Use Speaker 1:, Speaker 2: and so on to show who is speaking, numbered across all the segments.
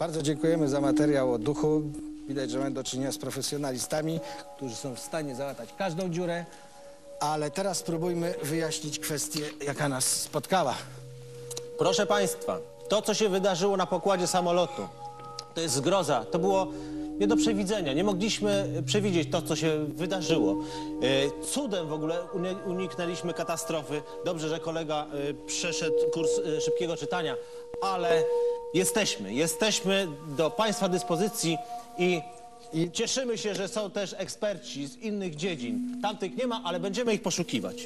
Speaker 1: Bardzo dziękujemy za materiał o duchu. Widać, że mamy do czynienia z profesjonalistami, którzy są w stanie załatać każdą dziurę. Ale teraz spróbujmy wyjaśnić kwestię, jaka nas spotkała.
Speaker 2: Proszę państwa, to, co się wydarzyło na pokładzie samolotu, to jest zgroza. To było nie do przewidzenia. Nie mogliśmy przewidzieć to, co się wydarzyło. Cudem w ogóle uniknęliśmy katastrofy. Dobrze, że kolega przeszedł kurs szybkiego czytania, ale jesteśmy do państwa dyspozycji i cieszymy się, że są też eksperci z innych dziedzin. Tamtych nie ma, ale będziemy ich poszukiwać.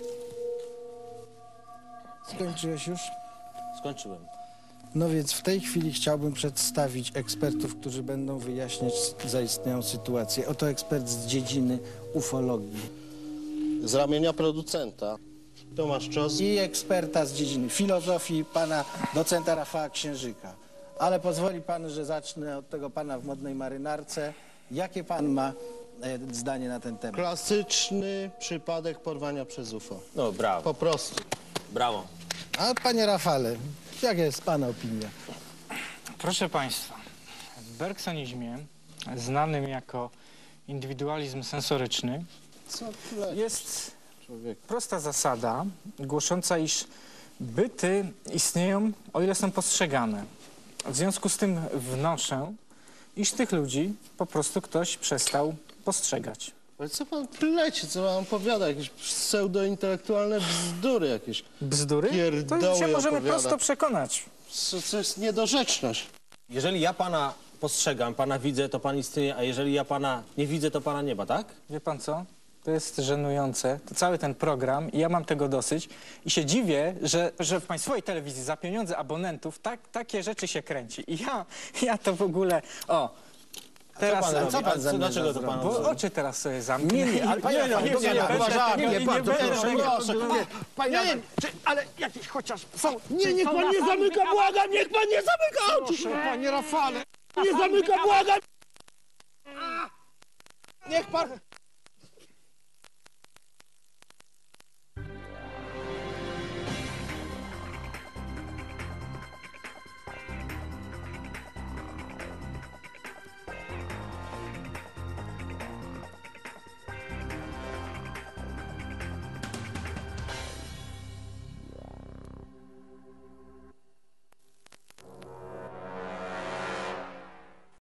Speaker 1: Skończyłeś już?
Speaker 2: Skończyłem.
Speaker 1: No więc w tej chwili chciałbym przedstawić ekspertów, którzy będą wyjaśniać zaistniałą sytuację. Oto ekspert z dziedziny ufologii.
Speaker 3: Z ramienia producenta Tomasz Czos.
Speaker 1: I eksperta z dziedziny filozofii, pana docenta Rafała Księżyka. Ale pozwoli pan, że zacznę od tego pana w modnej marynarce. Jakie pan ma zdanie na ten temat?
Speaker 3: Klasyczny przypadek porwania przez UFO.
Speaker 2: No, brawo.
Speaker 3: Po prostu.
Speaker 2: Brawo.
Speaker 1: A panie Rafale, jaka jest pana opinia?
Speaker 4: Proszę Państwa, w bergsonizmie, znanym jako indywidualizm sensoryczny, jest prosta zasada głosząca, iż byty istnieją, o ile są postrzegane. W związku z tym wnoszę, iż tych ludzi po prostu ktoś przestał postrzegać.
Speaker 3: Ale co pan pleci, co pan opowiada? Jakieś pseudointelektualne bzdury jakieś.
Speaker 4: Bzdury? To
Speaker 3: Pierdoły
Speaker 4: się możemy
Speaker 3: opowiada.
Speaker 4: prosto przekonać.
Speaker 3: Co jest niedorzeczność.
Speaker 2: Jeżeli ja pana postrzegam, pana widzę, to pan istnieje, a jeżeli ja pana nie widzę, to pana nie ma, tak?
Speaker 4: Wie pan co? To jest żenujące, to cały ten program i ja mam tego dosyć i się dziwię, że w państwowej telewizji za pieniądze abonentów takie rzeczy się kręci. I ja to w ogóle... O, teraz...
Speaker 1: Co pan zamierza
Speaker 2: dlaczego to
Speaker 1: zrobić?
Speaker 2: pan
Speaker 4: Bo oczy teraz sobie zamknę.
Speaker 1: Nie, ale panie Rafale,
Speaker 5: Nie, ale jakieś chociaż są... Nie, niech pan nie zamyka, błagam, niech pan nie zamyka oczu! Proszę, panie Rafale, nie zamyka, błagam! Niech pan...